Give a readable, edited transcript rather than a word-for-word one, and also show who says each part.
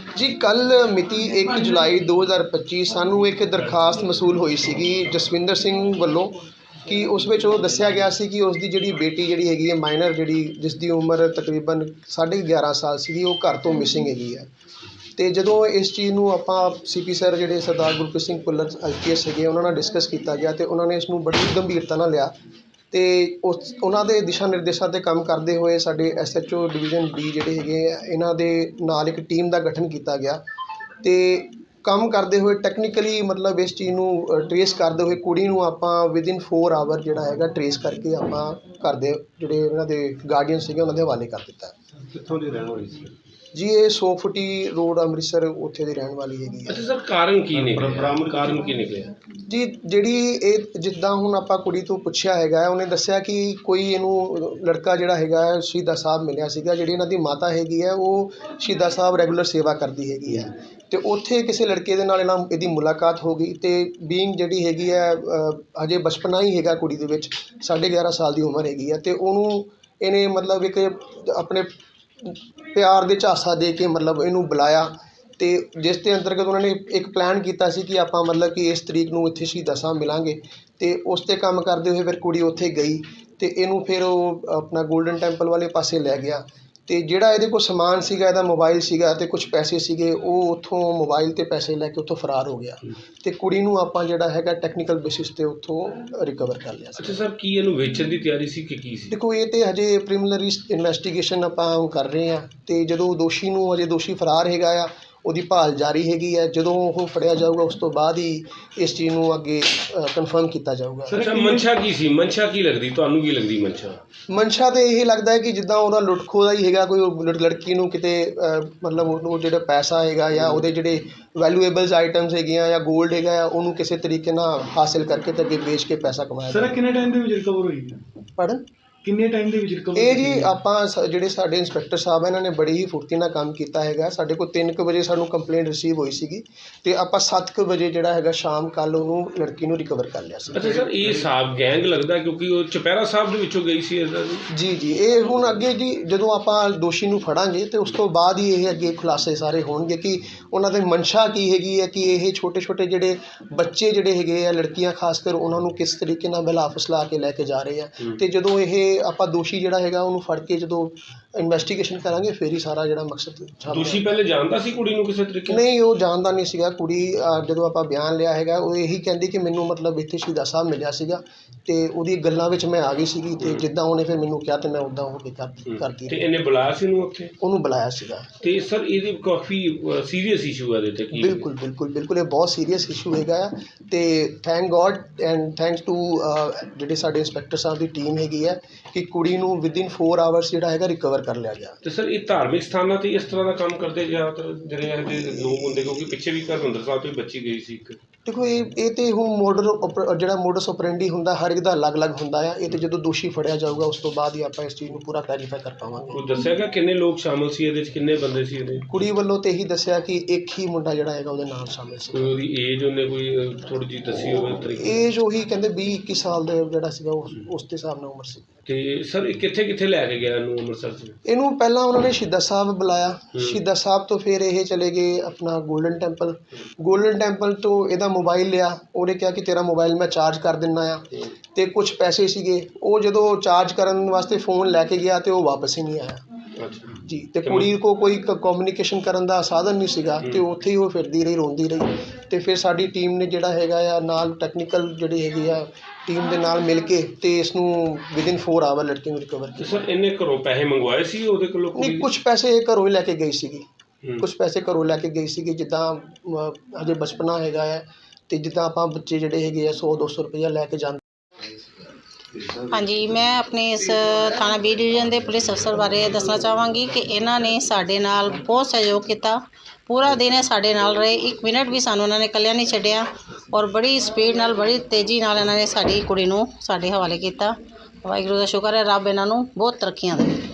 Speaker 1: जी कल मिति 1 जुलाई 2025 सानू एक दरखास्त मसूल हुई सी जसविंदर सिंह वालों कि उस विच वो दस्सिया गया सी कि उसकी जिहड़ी बेटी जिहड़ी हैगी है माइनर जिहड़ी जिसकी उम्र तकरीबन 11.5 साल सी वो घर तो मिसिंग हैगी है। तो जदों इस चीज़ नूं आपां CP सर जिहड़े सरदार गुरप्रीत सिंह भुल्लर IPS हैगे उन्हां नाल डिस्कस किया गया तो उन्होंने इसनूं बड़ी गंभीरता नाल लिया तो उन्हां दे दिशा निर्देशों ते काम करते हुए साडे SHO डिवीजन B जिहड़े हैगे इन्हां दे नाल एक टीम का गठन किया गया तो काम करते हुए टैक्नीकली मतलब इस चीज़ नूं ट्रेस करते हुए कुड़ी नूं आपां विदिन 4 आवर जिहड़ा हैगा ट्रेस करके आपां घर दे जिहड़े इन्हां दे गार्डियन सीगे उन्हां दे हवाले कर दित्ता।
Speaker 2: कित्थों दी रहण वाली सी
Speaker 1: जी ये 100 फुटी रोड अमृतसर उत्थे दी रहण वाली हैगी है।
Speaker 2: अच्छा सर कारण की निकलिਆ कारण की निकलिਆ
Speaker 1: जी जिहड़ी ਇਹ ਜਿੱਦਾਂ ਹੁਣ ਆਪਾਂ ਕੁੜੀ ਤੋਂ ਪੁੱਛਿਆ ਹੈਗਾ ਉਹਨੇ ਦੱਸਿਆ ਕਿ ਕੋਈ ਇਹਨੂੰ ਲੜਕਾ ਜਿਹੜਾ ਹੈਗਾ ਸ਼ਹੀਦਾਂ ਸਾਹਿਬ ਮਿਲਿਆ ਸੀਗਾ ਜਿਹੜੀ ਇਹਨਾਂ ਦੀ ਮਾਤਾ ਹੈਗੀ ਹੈ ਉਹ ਸ਼ਹੀਦਾਂ ਸਾਹਿਬ ਰੈਗੂਲਰ ਸੇਵਾ ਕਰਦੀ ਹੈਗੀ ਹੈ ਤੇ ਉੱਥੇ ਕਿਸੇ ਲੜਕੇ ਦੇ ਨਾਲ ਇਹਦੀ ਮੁਲਾਕਾਤ ਹੋ ਗਈ ਤੇ ਬੀਇੰਗ ਜਿਹੜੀ ਹੈਗੀ ਹੈ ਹਜੇ ਬਚਪਨਾ ਹੀ ਹੈਗਾ ਕੁੜੀ ਦੇ ਵਿੱਚ 11.5 ਸਾਲ ਦੀ ਉਮਰ ਹੈਗੀ ਹੈ ਤੇ ਉਹਨੂੰ ਇਹਨੇ ਮਤਲਬ ਇੱਕ ਆਪਣੇ प्यार दे झांसा दे के मतलब इनू बुलाया तो जिस के अंतर्गत उन्होंने एक प्लान किया कि आप मतलब कि इस तरीक नूं इत्थे शहीदां साहब मिलांगे तो उस ते काम करते हुए फिर कुड़ी उत्थे गई तो इनू फिर वो अपना गोल्डन टैंपल वाले पासे लै गया तो जिहड़ा इहदे कोल समान सीगा इहदा मोबाइल सीगा ते कुछ पैसे सीगे वो उत्थों मोबाइल ते पैसे लैके उत्थों फरार हो गया तो कुड़ी नूं आपां जिहड़ा हैगा टैक्नीकल बेसिस ते उत्थों रिकवर कर लिया।
Speaker 2: अच्छा सर की इहनूं वेचण दी तैयारी सी कि की सी?
Speaker 1: देखो ये तो हजे प्रीलिमिनरी इन्वेस्टिगेशन आपां कर रहे हैं तो जदों दोषी नूं हजे दोषी फरार हैगा आ ਉਹਦੀ ਭਾਲ ਜਾਰੀ ਹੈਗੀ ਹੈ ਜਦੋਂ ਉਹ ਫੜਿਆ ਜਾਊਗਾ ਉਸ ਤੋਂ ਬਾਅਦ ਹੀ ਇਸ ਚੀਜ਼ ਨੂੰ ਅੱਗੇ ਕਨਫਰਮ ਕੀਤਾ ਜਾਊਗਾ।
Speaker 2: ਸਰ ਮਨਸ਼ਾ ਕੀ ਸੀ ਮਨਸ਼ਾ ਕੀ ਲੱਗਦੀ ਤੁਹਾਨੂੰ ਕੀ ਲੱਗਦੀ
Speaker 1: ਮਨਸ਼ਾ ਤੇ ਇਹ ਲੱਗਦਾ ਹੈ ਕਿ ਜਿੱਦਾਂ ਉਹਦਾ ਲੁੱਟਖੋ ਦਾ ਹੀ ਹੈਗਾ ਕੋਈ ਲੜਕੀ ਨੂੰ ਕਿਤੇ ਮਤਲਬ ਉਹ ਜਿਹੜਾ ਪੈਸਾ ਹੈਗਾ ਜਾਂ ਉਹਦੇ ਜਿਹੜੇ ਵੈਲਿਊਏਬਲਸ ਆਈਟਮਸ ਹੈਗੀਆਂ ਜਾਂ ਗੋਲਡ ਹੈਗਾ ਉਹਨੂੰ ਕਿਸੇ ਤਰੀਕੇ ਨਾਲ ਹਾਸਿਲ ਕਰਕੇ ਤੇ ਅੱਗੇ ਵੇਚ ਕੇ ਪੈਸਾ ਕਮਾਇਆ।
Speaker 3: ਸਰ ਕਿੰਨੇ ਟਾਈਮ ਦੇ ਵਿੱਚ ਰਿਕਵਰ ਹੋਈ ਹੈ?
Speaker 1: ਪੜਨ
Speaker 3: ਕਿੰਨੇ ਟਾਈਮ ਦੇ ਵਿੱਚ ਰਿਕਵਰ
Speaker 1: ਇਹ ਜੀ ਆਪਾਂ ਜਿਹੜੇ ਸਾਡੇ ਇੰਸਪੈਕਟਰ ਸਾਹਿਬ ਇਹਨਾਂ ਨੇ ਬੜੀ ਹੀ ਫੁਰਤੀ ਨਾਲ ਕੰਮ ਕੀਤਾ ਹੈਗਾ। ਸਾਡੇ ਕੋਲ 3 ਵਜੇ ਸਾਨੂੰ ਕੰਪਲੇਂਟ ਰਿਸੀਵ ਹੋਈ ਸੀਗੀ ਤੇ ਆਪਾਂ 7 ਵਜੇ ਜਿਹੜਾ ਹੈਗਾ ਸ਼ਾਮ ਕੱਲ ਉਹਨੂੰ ਲੜਕੀ ਨੂੰ ਰਿਕਵਰ ਕਰ ਲਿਆ ਸੀ।
Speaker 2: ਅੱਛਾ ਸਰ ਇਹ ਸਾਹਿਬ ਗੈਂਗ ਲੱਗਦਾ ਕਿਉਂਕਿ ਉਹ ਚੁਪਹਿਰਾ ਸਾਹਿਬ ਦੇ ਵਿੱਚੋਂ ਗਈ ਸੀ ਇਹਦਾ
Speaker 1: ਜੀ ਇਹ ਹੁਣ ਅੱਗੇ ਜੀ ਜਦੋਂ ਆਪਾਂ ਦੋਸ਼ੀ ਨੂੰ ਫੜਾਂਗੇ ਤੇ ਉਸ ਤੋਂ ਬਾਅਦ ਹੀ ਇਹ ਅੱਗੇ ਖੁਲਾਸੇ ਸਾਰੇ ਹੋਣਗੇ ਕਿ ਉਹਨਾਂ ਦੇ ਮਨਸ਼ਾ ਕੀ ਹੈਗੀ ਹੈ ਕਿ ਇਹ ਛੋਟੇ ਜਿਹੜੇ ਬੱਚੇ ਜਿਹੜੇ ਹੈਗੇ ਆ ਲੜਕੀਆਂ ਖਾਸ ਕਰ ਉਹਨਾਂ ਨੂੰ ਕਿਸ ਤਰੀਕੇ ਨਾਲ ਬਹਿਲਾ ਫੁਸਲਾ ਕੇ ਲੈ ਕੇ ਜਾ ਰਹੇ ਆ ਤੇ ਜਦੋਂ ਇਹ ਆਪਾਂ ਦੋਸ਼ੀ ਜਿਹੜਾ ਹੈਗਾ ਉਹਨੂੰ ਫੜ ਕੇ ਜਦੋਂ ਇਨਵੈਸਟੀਗੇਸ਼ਨ ਕਰਾਂਗੇ ਫਿਰ ਹੀ ਸਾਰਾ ਜਿਹੜਾ ਮਕਸਦ
Speaker 2: ਦੋਸ਼ੀ ਪਹਿਲੇ ਜਾਣਦਾ ਸੀ ਕੁੜੀ ਨੂੰ ਕਿਸੇ ਤਰੀਕੇ
Speaker 1: ਨਹੀਂ ਉਹ ਜਾਣਦਾ ਨਹੀਂ ਸੀਗਾ। ਕੁੜੀ ਜਦੋਂ ਆਪਾਂ ਬਿਆਨ ਲਿਆ ਹੈਗਾ ਉਹ ਇਹੀ ਕਹਿੰਦੀ ਕਿ ਮੈਨੂੰ ਮਤਲਬ ਇੱਥੇ ਸ਼ਹੀਦਾਂ ਸਾਹਿਬ ਮਿਲਿਆ ਸੀਗਾ ਤੇ ਉਹਦੀ ਗੱਲਾਂ ਵਿੱਚ ਮੈਂ ਆ ਗਈ ਸੀਗੀ ਤੇ ਜਿੱਦਾਂ ਉਹਨੇ ਫਿਰ ਮੈਨੂੰ ਕਿਹਾ ਤੇ ਮੈਂ ਉੱਦਾਂ ਹੋ ਕੇ ਕਰਦੀ
Speaker 2: ਤੇ ਇਹਨੇ ਬੁਲਾਇਆ ਸੀ ਉਹਨੂੰ
Speaker 1: ਬੁਲਾਇਆ ਸੀਗਾ ਤੇ
Speaker 2: ਸਰ ਇਹਦੀ ਕਾਫੀ ਸੀਰੀਅਸ ਇਸ਼ੂ ਹੈ ਇਹਦੇ ਤੇ ਕੀ
Speaker 1: ਬਿਲਕੁਲ ਇਹ ਬਹੁਤ ਸੀਰੀਅਸ ਇਸ਼ੂ ਹੈਗਾ ਤੇ thank God and thanks to ਜਿਹੜੇ ਸਾਡੇ ਇੰਸਪੈਕਟਰ ਸਾਹਿਬ ਦੀ ਟੀਮ ਹੈਗੀ ਹੈ ਕਿ ਕੁੜੀ ਨੂੰ ਵਿਦਿਨ 4 ਆਵਰਸ ਜਿਹੜਾ ਹੈਗਾ ਰਿਕਵਰ ਕਰ ਲਿਆ ਗਿਆ। ਤੇ
Speaker 2: ਸਰ ਇਹ ਧਾਰਮਿਕ ਸਥਾਨਾਂ ਤੇ ਇਸ ਤਰ੍ਹਾਂ ਦਾ ਕੰਮ ਕਰਦੇ ਜ਼ਿਆਦਾਤਰ ਜਿਹੜੇ ਇਹਦੇ ਲੋਕ ਹੁੰਦੇ ਕਿਉਂਕਿ ਪਿੱਛੇ ਵੀ ਹਰਿਮੰਦਰ ਸਾਹਿਬ ਤੋਂ ਬੱਚੀ ਗਈ ਸੀ ਇੱਕ
Speaker 1: देखो ये तो ਹੁਣ ਜਿਹੜਾ ਮੋਡਸ ਆਪਰੈਂਡੀ ਹੁੰਦਾ ਹਰ ਇੱਕ ਦਾ ਅਲੱਗ-ਅਲੱਗ ਹੁੰਦਾ ਆ। ਇਹ ਤੇ ਜਦੋਂ ਦੋਸ਼ੀ ਫੜਿਆ ਜਾਊਗਾ ਉਸ ਤੋਂ ਬਾਅਦ ਹੀ ਆਪਾਂ ਇਸ ਚੀਜ਼ ਨੂੰ ਪੂਰਾ ਕਲੈਰੀਫਾਈ ਕਰ ਪਾਵਾਂਗੇ।
Speaker 2: ਕੋਈ ਦੱਸਿਆਗਾ ਕਿੰਨੇ ਲੋਕ ਸ਼ਾਮਲ ਸੀ ਇਹਦੇ ਵਿੱਚ ਕਿੰਨੇ ਬੰਦੇ ਸੀ ਇਹਦੇ?
Speaker 1: ਕੁੜੀ ਵੱਲੋਂ ਤੇ ਇਹੀ ਦੱਸਿਆ ਕਿ ਇੱਕ ਹੀ ਮੁੰਡਾ ਜਿਹੜਾ ਹੈਗਾ ਉਹਦੇ ਨਾਲ ਸ਼ਾਮਲ ਸੀ।
Speaker 2: ਕੋਈ ਉਹਦੀ ਏਜ ਉਹਨੇ ਕੋਈ ਥੋੜੀ ਜਿਹੀ ਦੱਸੀ ਹੋਵੇ ਤਰੀਕੇ?
Speaker 1: ਏਜ ਉਹੀ ਕਹਿੰਦੇ 20-21 ਸਾਲ ਦੇ ਜਿਹੜਾ ਸੀਗਾ ਉਸ ਦੇ ਹਿਸਾਬ ਨਾਲ ਉਮਰ ਸੀ।
Speaker 2: ਤੇ ਸਰ ਇਹ ਕਿੱਥੇ ਲੈ ਕੇ ਗਿਆ ਇਹਨੂੰ ਅੰਮ੍ਰਿਤਸਰ 'ਚ?
Speaker 1: ਇਹਨੂੰ ਪਹਿਲਾਂ ਉਹਨਾਂ ਨੇ ਸ਼ਹੀਦਾਂ ਸਾਹਿਬ ਬੁਲਾਇਆ ਸ਼ਹੀਦਾਂ ਸਾਹਿਬ ਤੋਂ ਫਿਰ ਇਹ ਚਲੇ ਗਏ ਆਪਣਾ ਗੋਲਡਨ ਟੈਂਪਲ ਤੋਂ ਇਹਦਾ ਮੋਬਾਈਲ ਲਿਆ। ਉਹਨੇ ਕਿਹਾ ਕਿ ਤੇਰਾ ਮੋਬਾਈਲ ਮੈਂ ਚਾਰਜ ਕਰ ਦਿੰਦਾ ਆ ਤੇ ਕੁਝ ਪੈਸੇ ਸੀਗੇ ਉਹ ਜਦੋਂ ਚਾਰਜ ਕਰਨ ਵਾਸਤੇ ਫ਼ੋਨ ਲੈ ਕੇ ਗਿਆ ਤੇ ਉਹ ਵਾਪਸ ਹੀ ਨਹੀਂ ਆਇਆ ਜੀ। ਤੇ ਕੁੜੀ ਕੋ ਕੋਈ ਕਮਿਊਨੀਕੇਸ਼ਨ ਕਰਨ ਦਾ ਸਾਧਨ ਨਹੀਂ ਸੀਗਾ ਤੇ ਉੱਥੇ ਹੀ ਉਹ ਫਿਰਦੀ ਰਹੀ ਰੋਂਦੀ ਰਹੀ ਤੇ ਫਿਰ ਸਾਡੀ ਟੀਮ ਨੇ ਜਿਹੜਾ ਹੈਗਾ ਆ ਨਾਲ ਟੈਕਨੀਕਲ ਜਿਹੜੀ ਹੈਗੀ ਆ ਟੀਮ ਦੇ ਨਾਲ ਮਿਲ ਕੇ ਤੇ ਇਸ ਨੂੰ ਵਿਦਿਨ 4 ਆਵਰ ਲੜਕੀ ਨੂੰ ਰਿਕਵਰ ਕੀਤਾ।
Speaker 2: ਸਰ ਇਹਨੇ ਘਰੋਂ ਪੈਸੇ ਮੰਗਵਾਏ ਸੀ ਉਹਦੇ ਕੋਲੋਂ?
Speaker 1: ਨਹੀਂ ਕੁਝ ਪੈਸੇ ਘਰੋਂ ਹੀ ਲੈ ਕੇ ਗਈ ਸੀਗੀ ਕੁਝ ਪੈਸੇ ਘਰੋਂ ਲੈ ਕੇ ਗਈ ਸੀਗੀ ਜਿੱਦਾਂ ਹਜੇ ਬਚਪਨਾ ਹੈਗਾ ਹੈ ਤੇ ਜਿੱਦਾਂ ਆਪਾਂ ਬੱਚੇ ਜਿਹੜੇ ਹੈਗੇ ਆ 100-200 ਰੁਪਈਆ ਲੈ ਕੇ ਜਾਂਦੇ।
Speaker 4: हाँ जी मैं अपने इस थाना B डिवीजन के पुलिस अफसर बारे दसना चाहांगी कि इन्होंने साडे नाल बहुत सहयोग किया। पूरा दिन साडे नाल रहे 1 मिनट भी सानू उन्होंने कल्लिया नहीं छड्डिया और बड़ी स्पीड नाल बड़ी तेज़ी नाल इन्होंने साडी कुड़ी नूं साडे हवाले किया। वाहिगुरू दा शुक्र है रब इन्हां नूं बहुत तरक्कियां दे।